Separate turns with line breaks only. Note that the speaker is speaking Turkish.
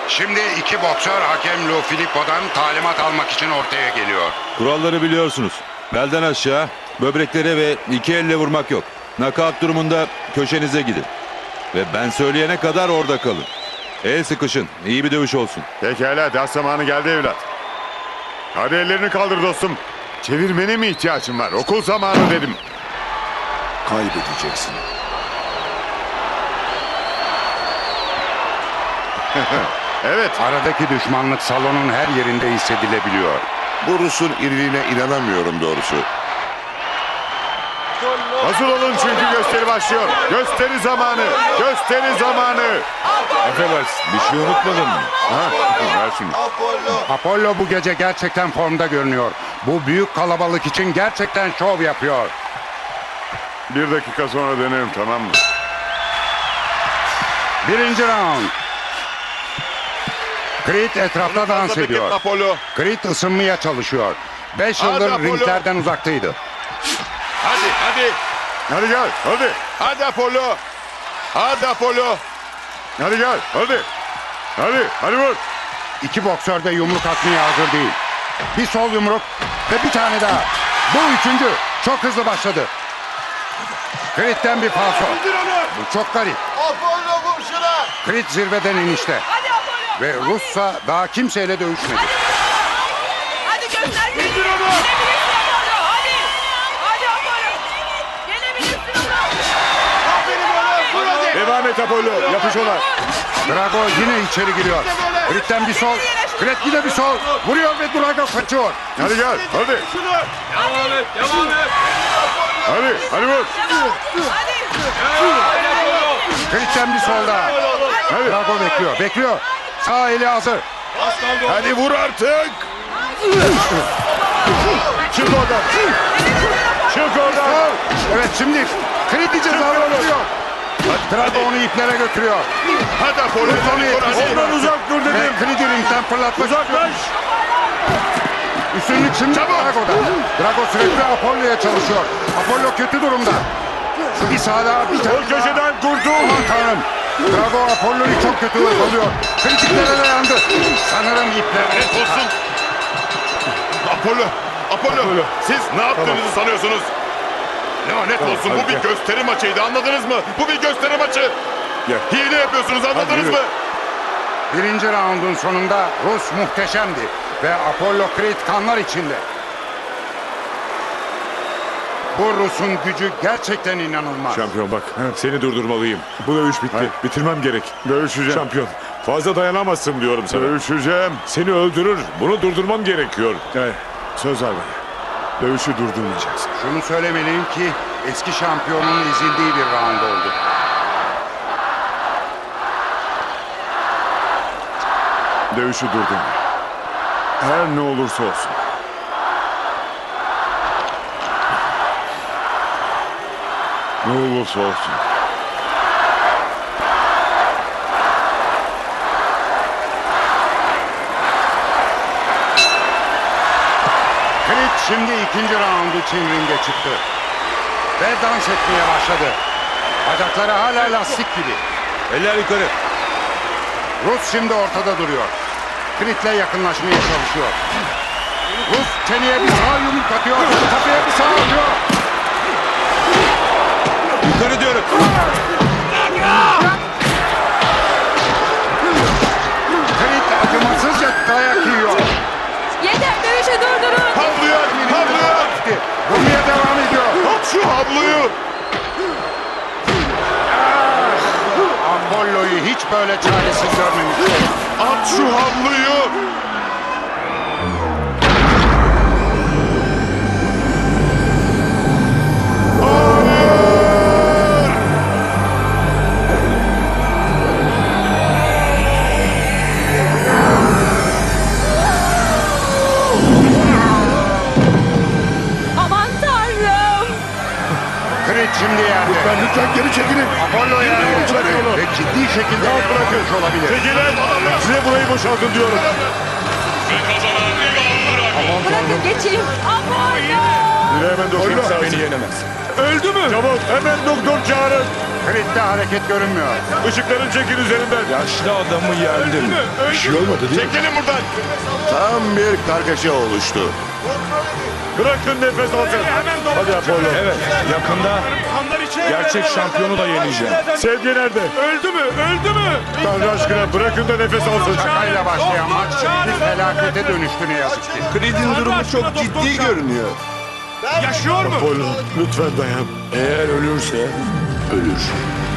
Şimdi iki boksör hakem Lou Filippo'dan talimat almak için ortaya geliyor.
Kuralları biliyorsunuz. Belden aşağı, böbreklere ve iki elle vurmak yok. Knockout durumunda köşenize gidin. Ve ben söyleyene kadar orada kalın. El sıkışın. İyi bir dövüş olsun.
Pekala, ders zamanı geldi evlat. Hadi ellerini kaldır dostum. Çevirmene mi ihtiyacın var? Okul zamanı dedim.
Kaybedeceksin.
Evet.
Aradaki düşmanlık salonun her yerinde hissedilebiliyor.
Bu Rus'un iriliğine inanamıyorum doğrusu.
Hazır olun çünkü gösteri başlıyor. Gösteri zamanı. Gösteri zamanı.
Affedersin, bir şey unutmadın mı?
Ha, ver şunu.
Apollo bu gece gerçekten formda görünüyor. Bu büyük kalabalık için gerçekten şov yapıyor.
1 dakika sonra dönerim, tamam mı?
Birinci round. Creed etrafta dans ediyor.
Apollo.
Creed ısınmaya çalışıyor. 5
Hadi
yıldır
Apollo.
ringlerden uzaktaydı.
Hadi. Hadi gel, hadi.
Hadi Apollo. Hadi Apollo.
Hadi gel, hadi. Hadi vur.
İki boksör de yumruk atmaya hazır değil. Bir sol yumruk ve bir tane daha. Bu üçüncü. Çok hızlı başladı. Creed'den bir falso. Bu çok garip.
Apollo vur şuna.
Creed zirveden inişte.
Hadi Apollo.
Ve Rus'sa daha kimseyle dövüşmedi.
Hadi göster kendini. Yenebilirsin Apollo. Hadi. Hadi Apollo. Yenebilirsin onu.
Aferin oğlum. Vur hadi.
Devam et Apollo, yapış ona.
Drago yine içeri giriyor. Creed'den bir sol. Creed yine bir sol. Vuruyor ve Drago kaçıyor.
Hadi gel, hadi.
Devam et.
Hadi vur.
Hadi.
Creed'den bir sol daha.
Hadi.
Drago bekliyor. Sağ eli hazır.
Hadi vur artık. Çık oradan. Çık oradan.
Evet şimdi Creed'i cezalandırıyor. Drago onu iplere götürüyor.
Hadi Apollo.
Ondan uzak dur
Ve
dedim.
Creed'i ringden fırlatmak istiyor.
Uzaklaş.
Üstünlük şimdi Drago'da. Drago sürekli Apollo'ya çalışıyor. Apollo kötü durumda. Bir sağ daha bir tane
O köşeden kurtul.
Aman tanrım. Drago Apollo'yu çok kötü oluyor. Kritiklere dayandı. Sanırım ipler.
Net olsun. Apollo. Siz ne yaptığınızı sanıyorsunuz? Lanet olsun, bu bir gösteri maçıydı, anladınız mı? Bu bir gösteri maçı.
Gel.
Hile yapıyorsunuz, anladınız
yürü.
mı?
Birinci raundun sonunda Rus muhteşemdi. Ve Apollo Creed kanlar içinde. Bu Rus'un gücü gerçekten inanılmaz.
Şampiyon bak, seni durdurmalıyım. Bu dövüş bitti. Bitirmem gerek.
Dövüşeceğim.
Şampiyon, fazla dayanamazsın diyorum sana.
Dövüşeceğim.
Seni öldürür. Bunu durdurmam gerekiyor.
Söz ver bana. Dövüşü durdurmayacaksın.
Şunu söylemeliyim ki eski şampiyonun ezildiği bir round oldu.
Dövüşü durdurma. Her ne olursa olsun. Ne olursa olsun.
Creed şimdi ikinci round için ringe çıktı. Ve dans etmeye başladı. Bacakları hala lastik gibi.
Eller yukarı.
Rus şimdi ortada duruyor. Creed'le yakınlaşmaya çalışıyor. Rus çeneye bir sağ yumruk atıyor. Kafaya bir sağ atıyor.
Yukarı diyorum.
Creed acımasızca dayak yiyor.
Yeter, dövüşü durdurun.
Havluyu at, havluyu at.
Vurmaya devam ediyor.
At şu havluyu.
Apollo'yu hiç böyle çaresiz görmemiştim.
At şu havluyu.
Aman tanrım.
Creed şimdi yerde.
Lütfen geri çekilin.
Apollo yerde ve ciddi şekilde yaralanmış olabilir.
Çekilin. Size burayı boşaltın diyorum.
Bırakın geçeyim. Apollo.
Yürü hemen doktor çağırın.
Beni yenemez.
Öldü mü? Çabuk hemen doktor çağırın.
Creed'de hareket görünmüyor.
Işıkların çekin üzerinden.
Yaşlı adamı yendim.
Bir şey olmadı değil mi?
Çekilin buradan.
Tam bir kargaşa oluştu.
Bırakın nefes alsın. Hadi Apollo.
Evet, yakında gerçek şampiyonu da yeneceğim.
Sevgi nerede?
Öldü mü? Öldü mü?
Tanrı aşkına bırakın da nefes alsın.
Şakayla başlayan maç bir felakete dönüştü ne yazık ki.
Creed'in durumu çok ciddi görünüyor. Yaşıyor mu?
Apollo lütfen dayan.
Eğer ölürse ölür.